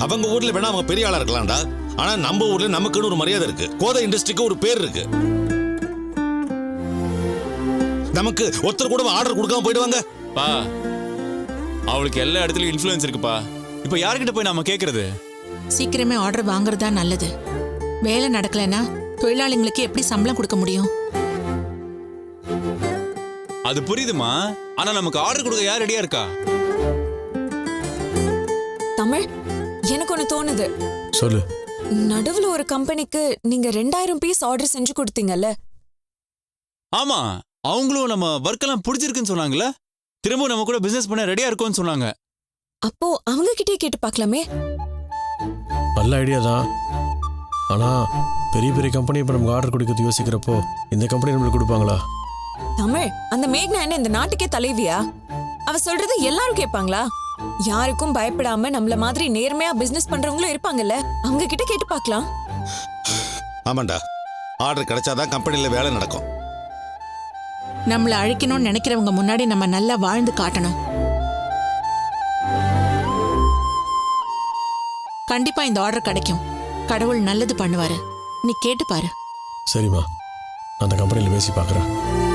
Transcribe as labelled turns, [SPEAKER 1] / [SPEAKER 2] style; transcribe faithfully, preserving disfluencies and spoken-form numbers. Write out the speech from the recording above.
[SPEAKER 1] அவங்க ஊர்ல வேணா அவங்க பெரிய ஆளா இருக்கலாம்டா. ஆனா நம்ம ஊர்ல நமக்குன்னு ஒரு மரியாதை இருக்கு. கோதை இண்டஸ்ட்ரிக்கு ஒரு பேர் இருக்கு. நமக்கு ஒருத்தர் கூட ஆர்டர் கொடுக்காம போயிடுவாங்க.
[SPEAKER 2] பா அவளுக்கு எல்லா இடத்துலயும் இன்ஃப்ளூயன்ஸ் இருக்குப்பா. இப்ப யார்கிட்ட போய் நாம கேக்குறது?
[SPEAKER 3] சீக்கிரமே ஆர்டர் வாங்குறதா நல்லது. வேலை நடக்கலன்னா தொழிலாளிங்களுக்கு எப்படி சம்பளம் கொடுக்க முடியும்?
[SPEAKER 2] அது புரியுதுமா, ஆனா நமக்கு ஆர்டர் கொடுக்க யார் ரெடியா இருக்கா?
[SPEAKER 4] தமிழ், எனக்கு ஒண்ணு தோணுது.
[SPEAKER 5] சொல்லு.
[SPEAKER 4] நடுவுல ஒரு கம்பெனிக்கு நீங்க ரெண்டாயிரம் பீஸ் ஆர்டர் செஞ்சு கொடுத்தீங்கல்ல?
[SPEAKER 2] ஆமா, அவங்களும் நம்ம ஒர்க் எல்லாம் பிடிச்சிருக்குன்னு சொன்னாங்கல்ல. திரும்ப நம்ம கூட பிசினஸ் பண்ண ரெடியா இருக்கும்னு சொன்னாங்க.
[SPEAKER 4] அப்போ அவங்க கிட்டே கேட்டு பார்க்கலாமே.
[SPEAKER 5] நல்ல ஐடியா தான். ஆனா பெரிய பெரிய கம்பெனி இப்ப நமக்கு ஆர்டர் கொடுக்கறது யோசிக்கிறப்போ இந்த கம்பெனி நம்மளுக்கு கொடுப்பாங்களா?
[SPEAKER 4] தமிழ், அந்த மேக்னா என்ன இந்த நாட்டுக்கே தலைவியா? அவ சொல்றது எல்லாரும் கேட்பாங்களா? யாருக்கும் பயப்படாம நம்மள மாதிரி நேர்மையா பிசினஸ் பண்றவங்களும் இருப்பாங்கல்ல, அவங்க கிட்ட கேட்டு பார்க்கலாம்.
[SPEAKER 1] ஆமாண்டா, ஆர்டர் கிடைச்சாதான் கம்பெனில வேலை நடக்கும்.
[SPEAKER 3] நம்மள அழிக்கணும்னு நினைக்கிறவங்க முன்னாடி நம்ம நல்லா வாழ்ந்து காட்டணும். கண்டிப்பா இந்த ஆர்டர் கிடைக்கும். கடவுள் நல்லது பண்ணுவாரு. நீ கேட்டு பாரு.
[SPEAKER 5] சரிம்மா, நான் அந்த கம்பெனியில் பேசி பார்க்குறேன்.